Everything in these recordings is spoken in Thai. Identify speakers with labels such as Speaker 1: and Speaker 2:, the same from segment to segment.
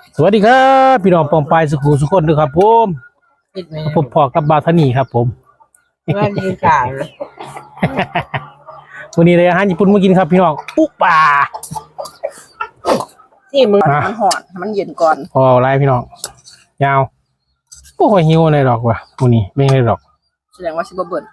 Speaker 1: สวัสดีครับพี่น้องปองปายสุขุสุขคนด้วยครับผมผมพอกับบาทานีครับผม
Speaker 2: สวัสดีค่ะ
Speaker 1: วันนี้เลยอาหารญี่ปุ่นมากินครับพี่น้องปุ๊ป่า
Speaker 2: ที่มือมันหอนมันเย็นก่อน
Speaker 1: พอไรพี่น้องยาวพวกหิวในดอกว่ะวันนี้ไม่ได้ดอก
Speaker 2: แสดงว่าชิบะเบิร์น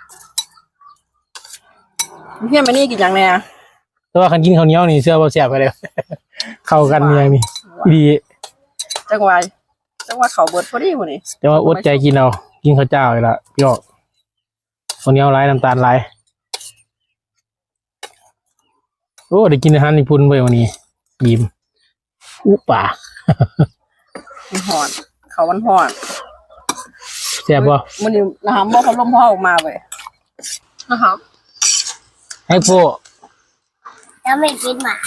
Speaker 2: เพี่อนมานี่กินอย่างแน่
Speaker 1: แต่ว่าคันกินข้าวเหนียวนี่เสื้อบ่แซ่บไปเลย เข้ากันอย่างนี้ดี
Speaker 2: จังหวะเขาเบิร์ดพอดีพอดี
Speaker 1: แต่ว่าอดใจกินเอากินข้าวเจ้าเลยละพี่น้องข้าวเหนียวไรน้ำตาลไรโอ้ได้กินอาหารญี่ปุ่นไปวันนี้บีมปุ๊ป่า
Speaker 2: มันหอนเขามันหอน
Speaker 1: แซ่บบ่
Speaker 2: มันนี่นะครับบอกเขาล้มพ่อออกมาเว้ยนะครับ
Speaker 1: ให้พวก
Speaker 3: แล้วไม่กินหมา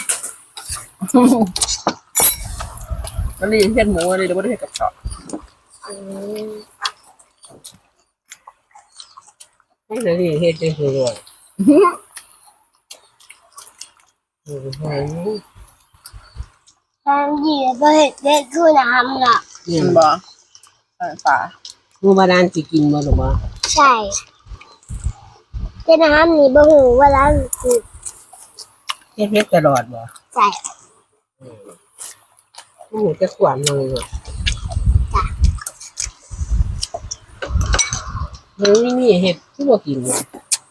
Speaker 2: มันรีเห็ดหมูเลยเดี๋ยวไม่ได้เห็ดกับช็อต
Speaker 4: ไม่ได้เฮ็ดได้คือว่า
Speaker 3: ทางดีก็เห็ดเด็ดคือน้ำล่ะ
Speaker 2: กินบ่ป่า
Speaker 4: ผู้มาดานสิกินบ่หรือบ่
Speaker 3: ใช่แต่น้ำนี่บ่หูว่าร้านคือ
Speaker 4: เฮ็ดตลอดบ่
Speaker 3: ใช่
Speaker 4: ผู้จะขวานเลยบ่เฮ้ยนี่เฮ็ดผู้บ่กินบ่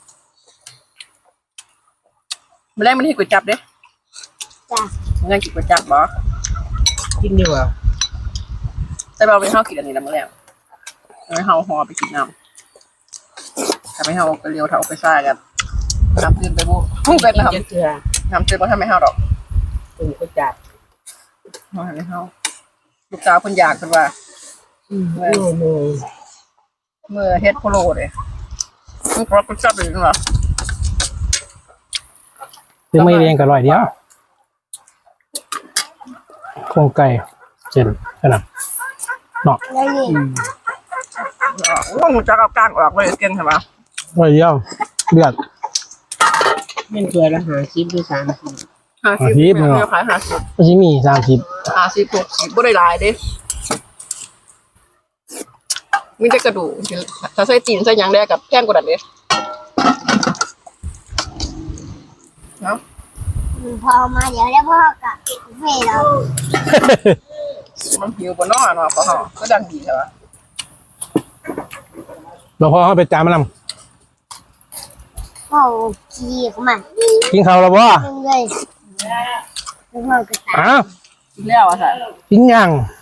Speaker 2: ไม่ได้มันเห็ดก๋วยจับเด้
Speaker 3: จ้ะ
Speaker 2: มันยังกินก๋วยจับบ่
Speaker 4: กินดีกว่า
Speaker 2: แต่เราไม่เข้ากินอันนี้แล้วมื้อแล้วไม่เข้าหอไปกินน้ำถ้าไม่เข้าไปเลี้ยวเถาไปซ่ากันน้ำตื่นไปบุเป็นน้ำ
Speaker 4: จะเทื่อ
Speaker 2: น้ำตื่นมาทำไม่เข้าดอก
Speaker 4: ตึงก็จัด
Speaker 2: มาไม่เข้าลูกสาวคนอยากเป็นว่า
Speaker 4: โอ้โห
Speaker 2: เมื่อเฮ็ดโพโลเลยมันก็ก็จับเลยนะ
Speaker 1: ซื้อไม่เรียงกับร่อยเดียวโครงไก่เส้นขนาดเนาะ
Speaker 3: แล้วนี่
Speaker 2: ว่ามึงจะเอากลางออกไปเก่งใช่ปะ
Speaker 1: ร่อยเดียวเลือด
Speaker 4: แม่นตัวละ50หรือ30
Speaker 2: 50เนาะขาย50
Speaker 1: ก็จะมี
Speaker 2: 50 60บ่ได้หลายเด้มีแต่กระดูกถ้าใส่ตีนใส่หยังได้กับแพงกว่านั้นเด้เนาะ
Speaker 3: พอมาเดี๋ยวแล้วพ่อกับเฟรเรา
Speaker 2: มันหิวบ่เนาะเนาะพ่อเฮาก็ดังดีใช่ปะ
Speaker 1: เราพอเขาไปจานมันน
Speaker 3: พ่อขี่เข้ามา
Speaker 1: ำกินข้าวแล้วบ่
Speaker 3: ดึงเลยแล้วพ่อก็ตาย
Speaker 1: อ้าว
Speaker 2: กินแล้วอ่ะค่ะ
Speaker 1: กินยัง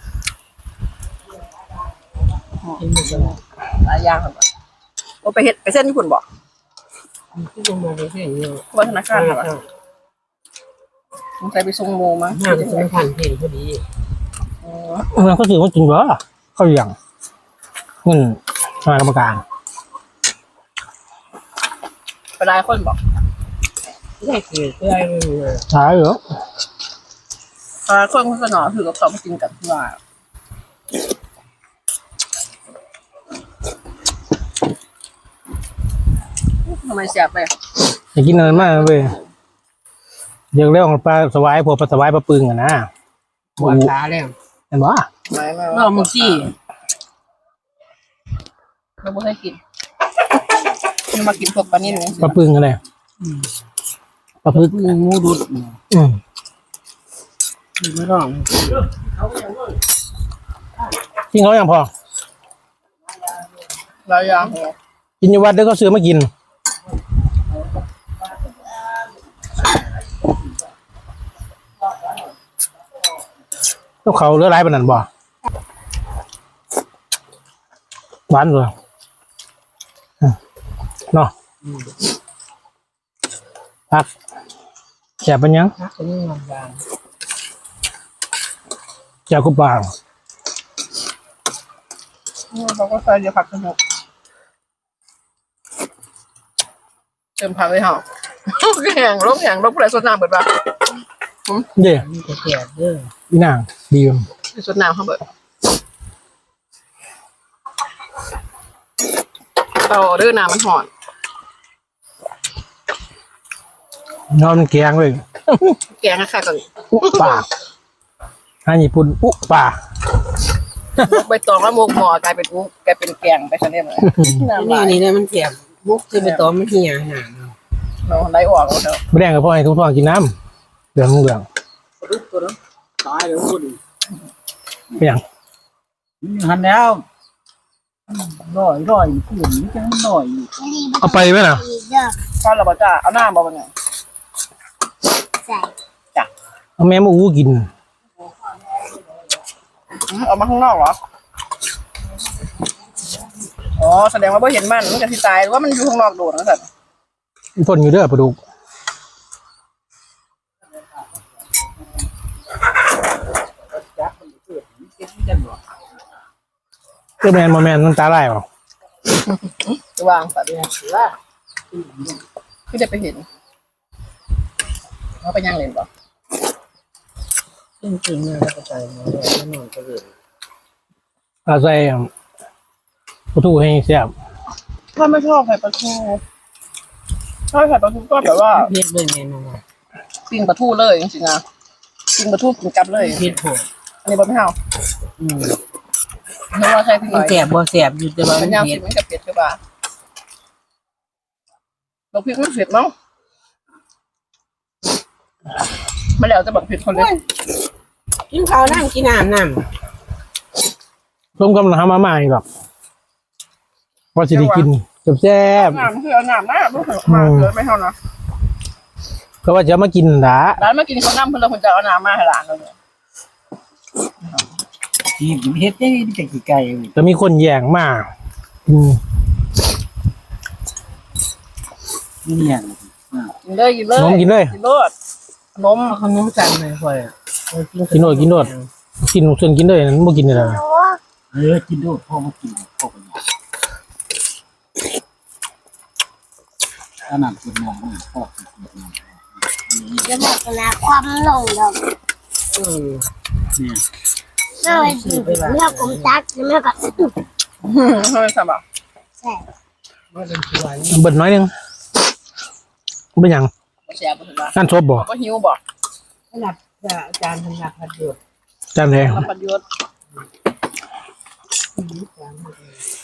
Speaker 2: หลายอย่างครับว่าไปเฮ็ดไปเส้นญี่ปุ่นบ่
Speaker 4: ที่ลงมาได้แค่นี้
Speaker 2: ว่าธนาคารเหรอสงสัยไปส่งโมมั้ง
Speaker 4: ห้ามสำคัญเห็นพอดี
Speaker 1: มันก็ถือว่ากินบ่เข้าอย่างเงินคณะกรรมการ
Speaker 2: ไปหลายคนบอก
Speaker 4: ได้คือเพื่อนมันมา
Speaker 1: ใช่เหรอ
Speaker 2: คนโฆษณาถือกับเขามากินกับที่ว่าทำไมเสียไป
Speaker 1: อยากกินอะไรมากเว้ยเรื่องของปลาสวายพวกปลาสวายปลาปึงอะนะ
Speaker 4: ปวดขาแล้ว
Speaker 1: เห็นบ่
Speaker 2: ไม่ไม่
Speaker 4: เรามึงสิ
Speaker 2: เราไม่ให้กินนี่มากินพวกปลานิ่ม
Speaker 1: ปลาปึงอะไรปลาปึง
Speaker 4: งูดุด ไม่ร้อง
Speaker 1: กินเขาอย่างพอ
Speaker 2: หลายอย่าง
Speaker 1: กินอยู่วัดเดี๋ยวก็ซื้อมากินแล้วเขาเลือไรปานนั้นบ่หวานเลยเนาะพักแจกเป็นยัง
Speaker 4: พักเป็นยังบาง
Speaker 1: แจกกุบบาง
Speaker 2: เขาก็ใส่เยอะผักสนุกเติมผักเลยเหรอแห้งลบผู้ใดสดน้ำเบิดปะ
Speaker 1: เย่
Speaker 4: มีแต่แก่เด้อ
Speaker 1: พี่นางดีม
Speaker 2: สดน้ำเขาเบิดเตาเด้อน้ำมันหอน
Speaker 1: นอนแกงเลย
Speaker 2: แกงค่ะก่อน
Speaker 1: ปากอาหารญี่ปุ่นอุ๊ป่า
Speaker 2: มุกใบตองแล้วมุกหมอกลายเป็นมุกกลายเป็นแกงไปซะเนี่ยเลย
Speaker 4: นี่นี่เลยมันเสียบมุกคือไปต้มมันเหี่ยหนา
Speaker 2: เราได้ออกแล้วเถอะ
Speaker 1: ไม่แดงกับพ่อให้ทุกท้องกินน้ำเหลืองเหลือง
Speaker 5: รุกตัวนั้นตายแล้วคุณ
Speaker 1: เป็นอย่าง
Speaker 5: หันแล้วร่อยผู้หญิงจังร่อย
Speaker 1: เอาไปไหมน่ะ
Speaker 3: อีกเด้อ
Speaker 2: ข้าวเราบอกจ้าเอาหน้าบอกว่าไง
Speaker 3: ใส่
Speaker 1: เอาแม่มาอู้กิน
Speaker 2: เอามาข้างนอกเหรออ๋อแสดงว่าเ่เห็นมันจะที่ตายหรือว่ามันอยู่ข้างนอกโดดนะสัตว์
Speaker 1: พ่นอยู่เด้อปลาดุกเจ้าแมนมาแมนมันตาไล่เปล่า
Speaker 2: จะวางสัตว์เนี่ยหรือว่าพี่จะไปเห็นเขาไปย่างเล่นป่ะ
Speaker 4: จริงๆเนี่ยก็ใจมันเลยไม่นอนก็เลย
Speaker 1: เอาใส่ปลาทูให้แซ่บ
Speaker 2: ถ้าไม่ชอบไข่ปลาทูชอบไข่ปลาทูก็แบบว่า
Speaker 4: เพี้ยเลยเมนูอ่ะ
Speaker 2: ปิ้งปลาทูเลยจริงๆนะปิ้งปลาทูกินกับเลย
Speaker 4: เพี้ยโผล่
Speaker 2: อันนี้บะไม่เอาเพราะว่าใช่พี่ห
Speaker 4: มั
Speaker 2: น่
Speaker 4: น
Speaker 2: อย
Speaker 4: แสบบ่แสบอยู่แต่ว่า
Speaker 2: มั
Speaker 4: มัน น
Speaker 2: ยาว
Speaker 4: เพี้
Speaker 2: สิ
Speaker 4: ย
Speaker 2: มันกับเป็ดใช่ป่ะเราพริกไม่เผ็ดเนาะมาแล้วจะบอกเผ็ดคนเลย
Speaker 4: กินข้าวน้ำกินน้ำ
Speaker 1: ร่วมกำลังทำมาใหม่หรอกว่าสิได้กินแซ่บ
Speaker 2: น้ำคือเอาน้ำนะไม่เผ็ดมากเลยไม่เท่านะ
Speaker 1: ๆก็ว่าจะมากินด่า
Speaker 2: ร้านมากินข้าวน้ำเพื่อนเราคนจะเอาน้ำมาให้ร้านเราเลย
Speaker 5: ที่เฮ็ดได้จะกี่ไก่
Speaker 1: จะมีคนแย่งมากอืม
Speaker 5: เนี่ย
Speaker 2: กินเลยกินเลย
Speaker 1: นมกินเลย
Speaker 2: กินรสนม
Speaker 4: เอาขนมจันทร์เลยค่อย
Speaker 1: กินโนดกินส่วนกินเลยนั้นบ่กินเลยนะ
Speaker 5: กินด้วยพ่อมากินพ่อกันขนาดกินน้ำพ่อกินน้ำ
Speaker 3: จะบอกนะความหลงดอก
Speaker 5: เนี่ย
Speaker 3: ไม่ว่าสิเมื่อกลมตักเมื่อกับ
Speaker 2: เฮ้ยสบาย
Speaker 3: ใส่
Speaker 4: ว่าเป็นชวน
Speaker 1: เบิดน้อยหนึงเป็นหยัง
Speaker 2: เสียบถึงว่า
Speaker 1: นั่นซบบ่
Speaker 2: ก็หิวบ่
Speaker 4: สำหรับอาจารย์สำหรับพัดหยด
Speaker 1: จานแดง
Speaker 2: รับประโยชน์